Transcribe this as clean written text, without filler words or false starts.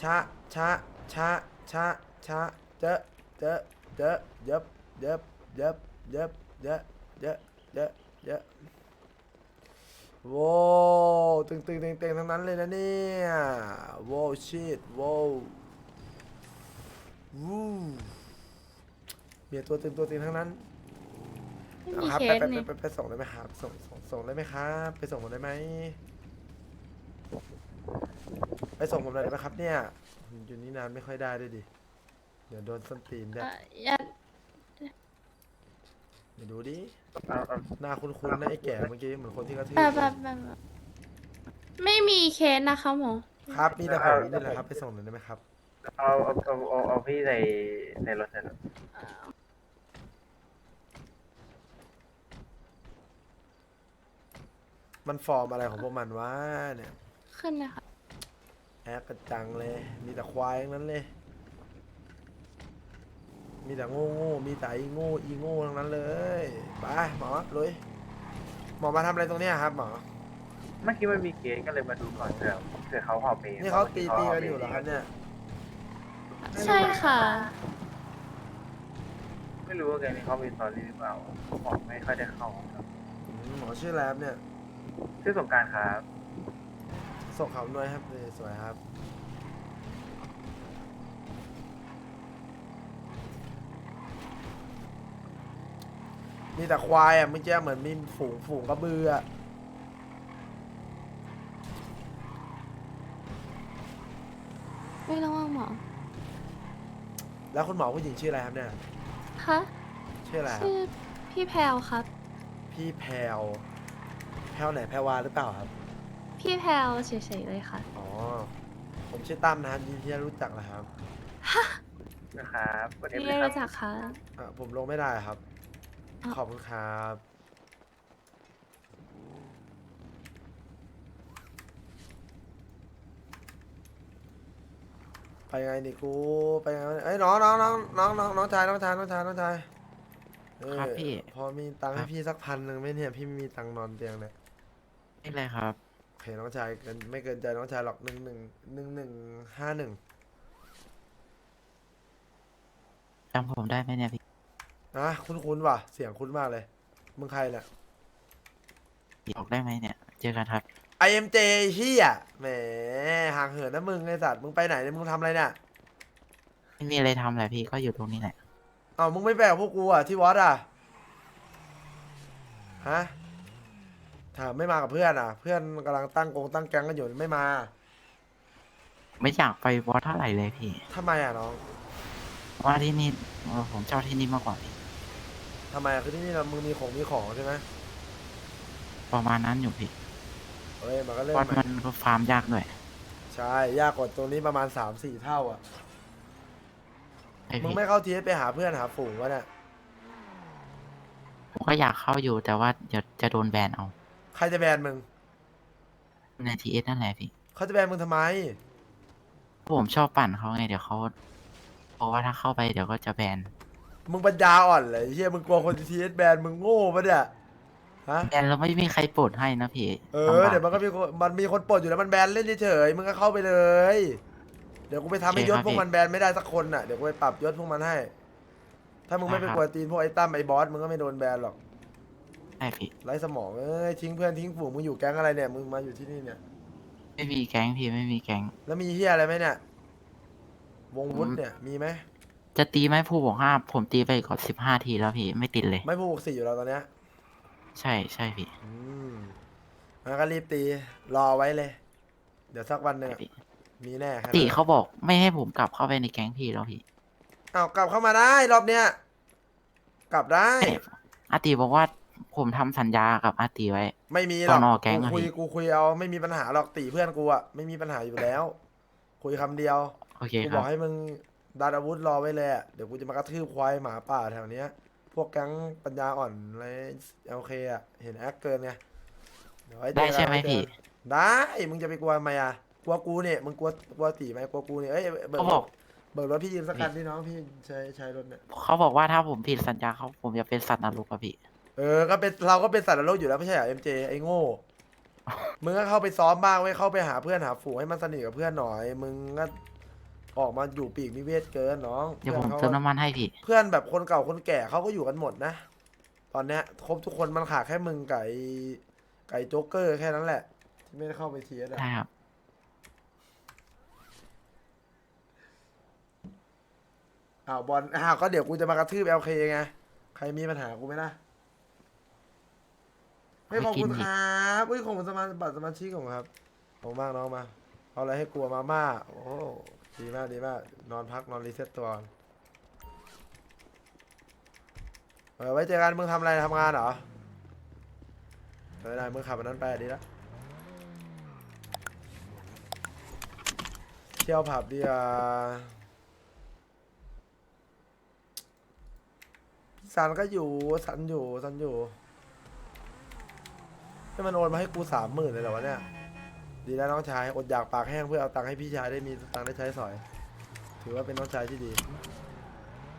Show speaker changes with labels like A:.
A: ชะชะชะชะชะเจอะเจอะเจอะเย็บเย็บเย็บเย็บเยอะเยอะเยอะเยอะโว้ตึงตึงเต็งเต็งทั้งนั้นเลยนะเนี่ยโว้ชิตโว้วูมีตัวตึงตัวตึงทั้งนั้น
B: ไม่มีเค
A: เอาครับไปไปไป
B: สนี่
A: ไปไปส่งได้ไหมครับส่งได้ไหมครับไปส่งผมได้ไหมไปส่งผมหน่อยได้ไหมครับเนี่ยอยู่นี่นานไม่ค่อยได้ด้วยดิเดี๋ยวโดนส้นตีนเนี่ย
B: ยัด
A: เดี๋ยวดูดิ
C: เอา
A: หน้าคุ้นๆนะไอ้แก่เมื่อกี้เหมือนคนที่กระทืบเลย
B: แบบไม่มีเคสนะคะหมอ
A: ครับมีแต่ผมนี่แหละครับไปส่งหน่อยได้ไหมครับ
C: เอาพี่ในรถเถอะ
A: มันฟอร์มอะไรของพวกมันวะเนี่ย
B: ขึ้นเลยค่ะ
A: แอปกระจังเลยมีแต่ควายทั้งนั้นเลยมีแต่โง่โง่มีแต่อีโง่อีโง่ทั้งนั้นเลยไปหมอลุยหมอมาทำอะไรตรงเนี้ยครับหมอ
C: เมื่อกี้มันมีเกณฑ์ก็เลยมาดูก่อนเผื่อเขาพอเปย์
A: นี่เขาตีกันอยู่เหรอครับเนี่ย
B: ใช่ค่ะ
C: ไม่รู้ว่าแกนี่เขามีสตอรี่หรือเปล่าผมไม่ค่อยได้เข้าครับ
A: หมอชื่ออะไรครับเนี่ย
C: ชื่อสงกรารครับ
A: ส่งเขาหน่อยครับสวยครับมีแต่ควายอ่ะเมื่อกี้เหมือนมีฝูงกระบืออ่ะ
B: ไม่ระวังหมอ
A: แล้วคุณหมอผู้หญิงชื่ออะไรครับเนี่ย
B: คะ
A: ชื่ออะไรครับ
B: ชื่อพี่แพลวครับ
A: พี่แพลวแพลวไหนแพรวาหรือเปล่าครับ
B: พี่แพลวเฉยๆเลยค่ะ
A: อ๋อผมชื่อตั้มนะครับยินดีที่ได้รู้จักนะครับ
C: นะครับกดเอฟ
B: พี่
C: เลย
B: ได้
C: ครับ
B: รู้จักค่ะ
A: ผมลงไม่ได้ครับ
B: อ้าว
A: ขอบคุณครับไปไงนี่กูไปไงวะเนี่ยเอ้ยน้องชาย
D: ครับพี่
A: พอมีตังค์
D: ครับ
A: ให้พี่สัก1,000ไหมเนี่ยพี่ไม่มีตังค์นอนเตียงเนี่ย
D: นี่เลยครับ
A: โอเคน้องชายเกินไม่เกินใจน้องชายหรอก1151
D: จำผมได้ไหมเนี่ยพี่
A: นะคุ้นว่ะเสียงคุ้นมากเลยมึงใครเนี่ย
D: บอกได้ไหมเนี่ย เจอกันครับ
A: IMJ เฮียแหมห่างเหินนะมึงไอสัตว์มึงไปไหนเนี่ยมึงทำอะไรเนี่ย
D: ไม่มีอะไรทำแหละพี่ ก็อยู่ตรงนี้แหละ
A: อ้าวมึงไม่ไปกับพวกกูอ่ะที่วัดอ่ะฮะถามไม่มากับเพื่อนอ่ะ เพื่อนกำลังตั้งแก๊งกันอยู่ไม่มา
D: ไม่อยากไปวอดเท่าไหร่เลยพี่
A: ทำไมอ่ะน้อง
D: เพราะว่าที่นี่ผมชอบที่นี่มากกว่าพี่
A: ทำไมอ่ะคือที่นี่เรามึงมีของใช่ไหม
D: ประมาณนั้นอยู่พี่
A: เอ้ยมันก็เรื่อง
D: วอด
A: ใหม่
D: มันก็ฟาร์มยากด้วย
A: ใช่ยากกว่าตรงนี้ประมาณ3-4 เท่าอ่ะ
D: ไอ
A: มึง
D: พี่
A: ไม่เข้าทีไปหาเพื่อนหาฝูงวะเนี่ย
D: ผมก็อยากเข้าอยู่แต่ว่าเดี๋ยวจะโดนแบนเอา
A: ใครจะแบนมึง
D: ในทีเอสนั่นแหละพี่
A: เขาจะแบนมึงทำไม
D: ผมชอบปั่นเขาไงเดี๋ยวเขาบอกว่าถ้าเข้าไปเดี๋ยวก็จะแบน
A: มึงปัญญาอ่อนเลยเฮียมึงกลัวคนทีเอสแบนมึงโง่ปะเนี่ยฮะ
D: แบนแล้วไม่มีใครปลดให้นะพี่
A: เอ
D: ลำ
A: อบ
D: าก
A: เดี๋ยวมันมีคนปลดอยู่แล้วมันแบนเล่นเฉยๆมึงก็เข้าไปเลย เดี๋ยวกูไปทำให้ยศพวกมันแบนไม่ได้สักคนน่ะเดี๋ยวกูไปปรับยศพวกมันให้ ถ้ามึงไม่ไปกวนตีนพวกไอ้ตั้มไอ้บอสมึงก็ไม่โดนแบนหรอก
D: ใช่พี่
A: ไร้สมองเอ้ยทิ้งเพื่อนทิ้งฝูงมึงอยู่แก๊งอะไรเนี่ยมึงมาอยู่ที่นี่เนี่ย
D: ไม่มีแก๊งพี่ไม่มีแก๊ง
A: แล้วมีเฮียอะไรไหมเนี่ยวงวุฒิเนี่ยมีไหม
D: จะตีไหมผู้บอกห้าผมตีไปก่อน15 ทีแล้วพี่ไม่ติดเลย
A: ไม่ผูก4อยู่แล้วตอนเนี้ย
D: ใช่ใช่พี่
A: อืมงั้นก็รีบตีรอไว้เลย เดี๋ยวสักวันหนึ่งอะมีแน่ครับ
D: ติเขาบอกไม่ให้ผมกลับเข้าไปในแก๊งพี่แล้วพี่
A: เอากลับเข้ามาได้รอบเนี้ยกลับได้
D: อาติบอกว่าผมทำสัญญากับอาติไว้
A: ไม่มีหรอก
D: ตอนออกแก๊งอะ
A: กูคุย
D: พี่
A: กูคุยเอาไม่มีปัญหาหรอกตีเพื่อนกูอะไม่มีปัญหาอยู่แล้ว คุยคำเดียว
D: โอเค
A: กู
D: ค
A: บ
D: รั
A: อบ กให้มึงดันอาวุธรอไว้เลยอะเดี๋ยวกูจะมากระทืบควายหมาป่าแถวเนี้ย พวกแก๊งปัญญาอ่อนอะไรโอเคอะเห็นแอคเกินไงเดี๋ยวว้เจอ
D: ได้
A: กัน
D: ใช่ไหม
A: ว้เจอ
D: พี่
A: กันได้มึงจะไปกลัวทำไมอะกลัวกูเนี่ยมึงกลัวตีไหมกลัวกูเนี่ยเอ้ยเบิ
D: เขา
A: ก
D: บอก
A: เบิกรถพี่ยืมสักคันที่น้องพี่ใช้รถเนี่ย
D: เขาบอกว่าถ้าผมผิดสัญญาเขาผมจะเป็นสัตว์นรกอะพี่
A: ก็เป็นเราก็เป็นสัตว์นรกอยู่แล้วไม่ใช่เหรอ MJ ไอ้โง่ มึงก็เข้าไปซ้อมบ้างไว้ยเข้าไปหาเพื่อนหาฝูงให้มันสนิทกับเพื่อนหน่อย มึงก็ออกมาอยู่ปีกนิเวศเกินน้อง
D: เดี๋ยวผม
A: พื่อน
D: เติม
A: ขา
D: น้ำมันให้พี่
A: เพื่อนแบบคนเก่าคนแก่เขาก็อยู่กันหมดนะ ตอนเนี้ยครบทุกคนมันขาดแค่มึงไก่โจ๊กเกอร์แค่นั้นแหละ ที่ไม่ได้เข้าไปเทียร์
D: ได้ครับ
A: อ้าวบอลก็เดี๋ยวกูจะมากระทืบLKไงใครมีปัญหากูไหมล่ะไม่ขอบคุณครับอุ้ยขอบคุณบัตรสมาชิกของครับขอบคุณมากน้องมาเอาอะไรให้กลัวมาม่าโอ้ดีมากดีมากนอนพักนอนรีเซ็ตตัวก่อนไว้เจอกันมึงทำอะไรทำงานเหรอไม่ได้มึงขับอันนั้นไปดีแล้วเที่ยวผับดีอ่ะซันก็อยู่ซันอยู่ให้มันโอนมาให้กู30,000เลยเหรอวะเนี่ยดีแล้วน้องชายอดอยากปากแห้งเพื่อเอาตังค์ให้พี่ชายได้มีตังค์ได้ใช้สอยถือว่าเป็นน้องชายที่ดี